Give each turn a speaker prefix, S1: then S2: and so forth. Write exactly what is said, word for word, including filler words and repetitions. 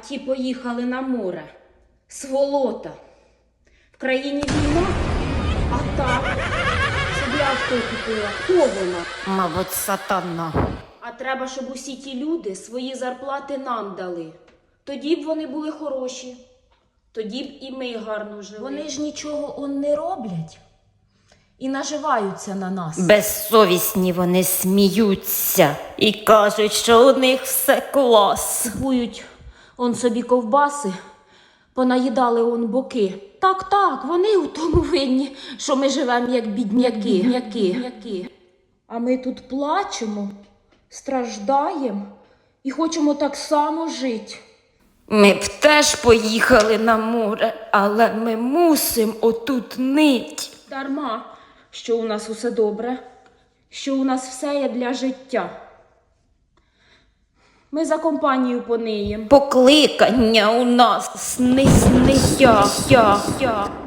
S1: ті поїхали на море. Сволота. В країні війна, а так собі авто купила. Хто вона?
S2: Мабуть, сатана.
S1: А треба, щоб усі ті люди свої зарплати нам дали. Тоді б вони були хороші. Тоді б і ми гарно жили.
S3: Вони ж нічого он не роблять і наживаються на нас.
S2: Безсовісні вони сміються і кажуть, що у них все клас.
S1: Купують он собі ковбаси, понаїдали он боки. Так, так, вони у тому винні, що ми живемо як бідняки. бідняки. бідняки. А ми тут плачемо, страждаємо і хочемо так само жити.
S2: Ми б теж поїхали на море, але ми мусимо отут нить.
S1: Дарма, що у нас усе добре, що у нас все є для життя. Ми за компанію пониєм.
S2: Покликання у нас сни, сни, я, я, я.